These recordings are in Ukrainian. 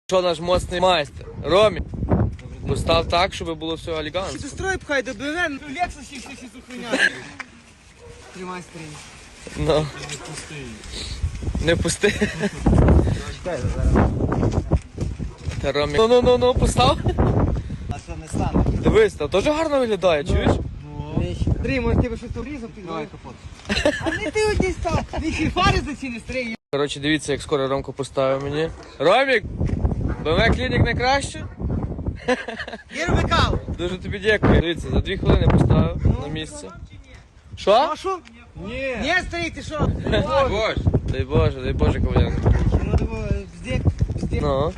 Що наш моцний майстер? Ромі, постав так, щоб було все Чи елегантно. ти строй пхай до БВН, Лексус ще щось охороняє. Тримай стрій. Ну. Не пусти. Чекай, зараз. Та Ромі. Ну, постав. А це не стане. Дивись, та теж гарно виглядає, чуєш? Андрій, може тебе щось обрізав? Давай капот. А не ти одні став. Ти ще фари за ці не стрій. Коротше, дивіться, як скоро Ромко поставив мені. Ромік! БМВ клінік найкраще? Я роби каву. Дуже тобі дякую. Дивіться, за 2 хвилини поставив на місце. Що? А що? Ні. Ні, стрій, ти що? Дай Боже, коваленко. Ну, бздик. Ну.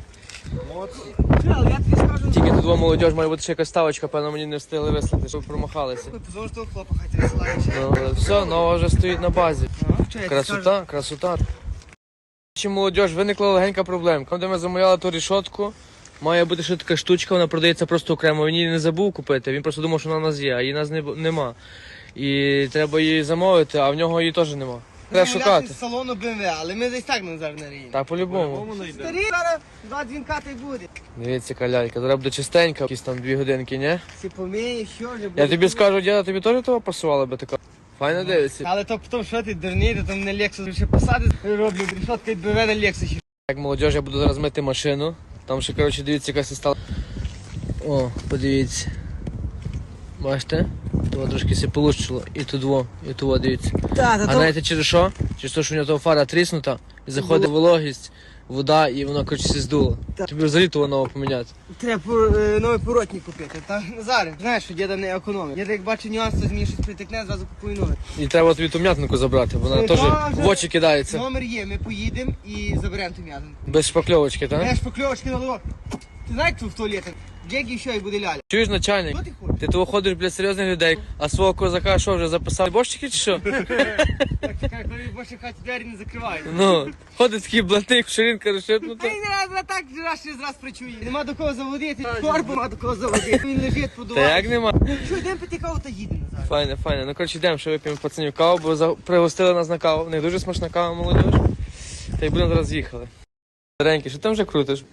Але я тобі скажу. Тільки тут два молодіж, має бути ще якась ставочка, певно, мені не встигли вислати, щоб промахалися. Позор, що хлопа хай тебе слаєш. Ну, але все, нова вже стоїть на базі. Що я тобі скажу? Красота. Чи молодіж, виникла легенька проблемка. Там, де ми замовляли ту рішотку, має бути ще така штучка, вона продається просто окремо. Він її не забув купити, він просто думав, що вона у нас є, а її у нас нема. І треба її замовити, а в нього її теж нема. Треба шукати. З салону БМВ, але ми десь так зараз не ріємо. Так, по-любому. Старі, зараз 2 дзвінка та й буде. Дивіться, калялька, треба буде чистенька, якісь там 2 годинки, ні? Всі поміє, що вже буде. Я тобі скажу, діда, тобі теж того пасувало би така? Файно дивиться. Але то потім, що ти дурний, то там на Lexus ще посади роблю, рішотка від БМВ на Lexus. Як молодіж, я буду зараз мити машину. Там ще, коротше, дивіться, яка стала. О, подивіться. Бачите? Того трошки все полущило. І тут, дивіться. А знаєте через що? Через те, що у нього того фара тріснута, і заходить вологість, вода, і воно, коротше, все здуло. Тобі взагалі того нового поміняти. Треба новий поротник купити. Та Назаре, знаєш, що діда не економить. Діда, як бачить нюанс, то зміни щось притикне, зразу купує новий. І треба тобі ту м'ятнику забрати, вона теж в очі кидається. Номер є, ми поїдемо і заберемо ту м'язанку. Без шпакльовочки, так? Я ж покльовочки на ловок. Ти знаєш, що в туалеті? Джегі що і буде ляля. Чуєш, начальник? Що ти хочеш? Ти того ходиш, для серйозних людей, а свого козака що, вже записав? Борщики чи що? Так, чекай, коли в вашій хаті двері не закривають. Ну, ходить такий блатник, ширинка Та розшипнута. й не раз так раз причує. Нема до кого заводити, корбу нема до кого заводити. Він лежить, Та подуває. як нема? Що, йдемо пити каву та їдемо назад. Файне. Ну, коротше, йдемо, що вип'ємо пацанів каву, бо пригостили нас на каву. В них дуже смачна кава, молодіж. Та й будемо зараз їхали. Старенький, що там вже крутиш?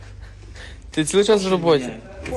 Ти цілий час в роботі.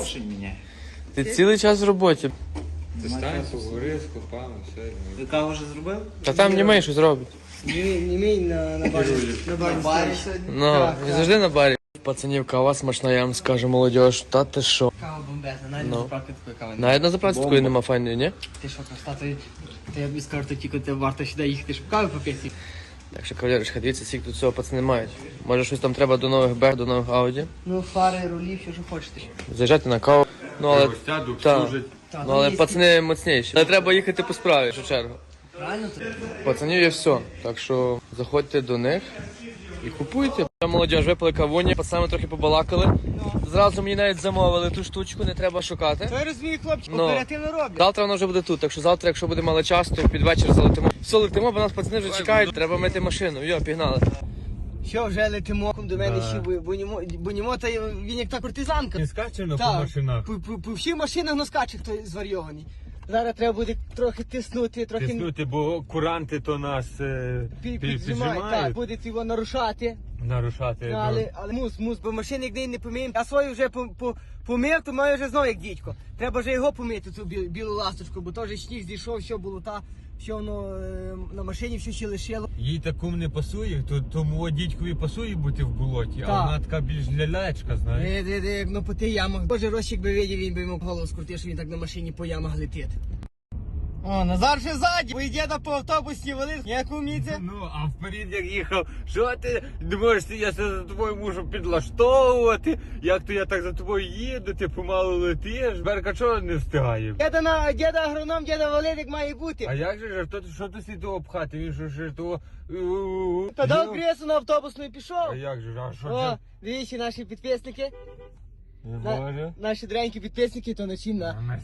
Ти цілий час в роботі. Стань, поговори з копами, все. Ти каву вже зробив? Та там німей щось робить. Німей на барі. На барі сьогодні. Ну, він завжди на барі. Пацанів кава смачна, я вам скажу, молодіж. Та ти що? Кава бомбезна, навіть Ну. на заправки такої кави. Навіть на заправці такої нема файної, ні? Ти що, красота, то я б скажу, то тільки тебе варто сюди їхати, щоб кави попити. Так що, кавалерочка, дивіться, скільки тут цього пацани мають. Може щось там треба до нових Б, до нових Ауді. Ну, фари, рулі, все, що хочете. Заїжджати на каву. Ну, але... Сяду, Та. служать. Ну, але пацани моцніші. Але треба їхати по справі, в першу чергу. Правильно це? Пацанів є все. Так що заходьте до них і купуйте. Молодіж, випили кавуні, пацанами трохи побалакали. Зразу мені навіть замовили ту штучку, не треба шукати. То я розумію, хлопці, Ну. оперативно роблять. Завтра воно вже буде тут, так що завтра, якщо буде мало часу, то під вечір залетимо. Все, летимо, бо нас пацани вже чекають, треба мити машину. Йо, пігнали. Що, вже летимо до мене ще, бо німо, та він як та кортизанка. Не скачено по Так, машинах. по всіх машинах но скаче хто зварйований. Зараз треба буде трохи тиснути, трохи Тиснути, бо куранти то нас піджимають. Так, піджимають. буде його нарушати. Нарушати. Ну, але мус, бо машини як не поміємо. Я свою вже помив, то маю вже знову як дідько. Треба вже його помити, цю білу ласточку, бо теж сніг зійшов, все було все воно на машині, все ще лишило. Їй такому не пасує, то тому дідькові пасує бути в болоті, Так. а вона така більш лялечка, знаєш. Ну по тих ямах. Боже, Рощик би видів, він би йому голову скрутив, що він так на машині по ямах летить. О, Назар ще ззаді, бо йде по автобусі валив, як уміється. Ну, а вперед як їхав, що ти думаєш, я це за тобою мушу підлаштовувати, як то я так за тобою їду, ти помалу летиш, Берка чого не встигає? Діда агроном, діда валив, як має бути. А як же ж, що ти слід того пхати, він що того... Та дав кресу на автобусну і пішов. А як же, а що О, це? дивіться, наші підписники, Боже. наші дренькі підписники, то на чим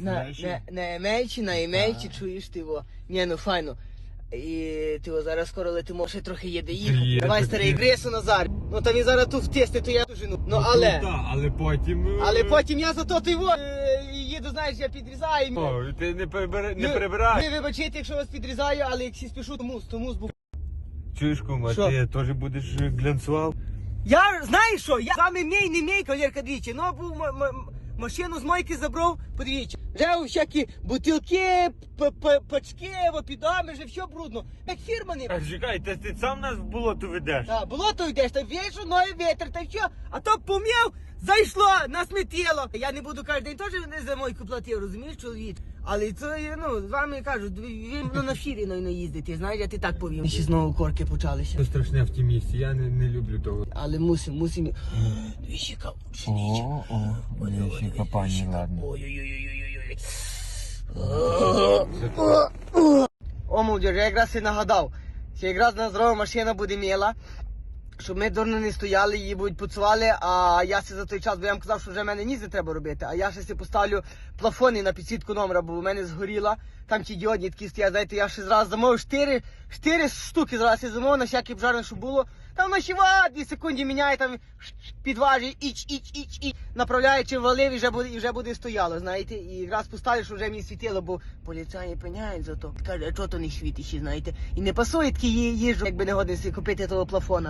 на емельчі, чуєш ти його. Ні, ну файно. І ти його зараз скоро летимо, ще трохи їде їхати. Є, Давай, так старий, є. гресу Назар. Ну та він зараз тут втисне, то я дожину. Ну але... Але потім... Але потім я зато ти його їду, знаєш, я підрізаю. О, ти не прибирай. Ви вибачайте, якщо вас підрізаю, але якщо спішу, то мус був. Чуєш, кума, Що? ти теж будеш глянцював? Я, знаєш що, я з вами мій, не мій, кавалерка, двічі, ну, був машину з мойки забрав, подивіться. Вже всякі бутилки, пачки, підами, вже все брудно. Як фірма не... А чекай, ти сам нас в болото ведеш? Так, болото йдеш, та вішу, ноги вітер, та що? А то пом'яв, зайшло, насмітіло. Я не буду кожен день теж не за мойку платив, розумієш, чоловік? Але це, ну, з вами кажуть, він на фірі не їздити, знаєш, я ти так повім. Ще знову корки почалися. Це страшне в тій місці, я не люблю того. Але мусимо. Двічі кавучі, Віщика, пані, ладно. Ой-ой-ой-ой-ой-ой. О, молодіж, я якраз і нагадав, що якраз на здорова машина буде міла, щоб ми дурно не стояли, її будуть пуцували, а я си за той час, бо я вам казав, що вже в мене ніс не треба робити, а я ще си поставлю плафони на підсвітку номера, бо в мене згоріла, там ті діодні такі стоять, знаєте, я ще зразу замовив 4 штуки зразу я замовив на всякий пожарний, що було, там на 2 секунди міняє, там підважує, іч, направляє, чи валив, і вже буде стояло, знаєте, і якраз поставлю, що вже мені світило, бо поліцаї пеняють за то, каже, а чого то не світить, знаєте, і не пасує такі їжу, якби не годин собі купити того плафона.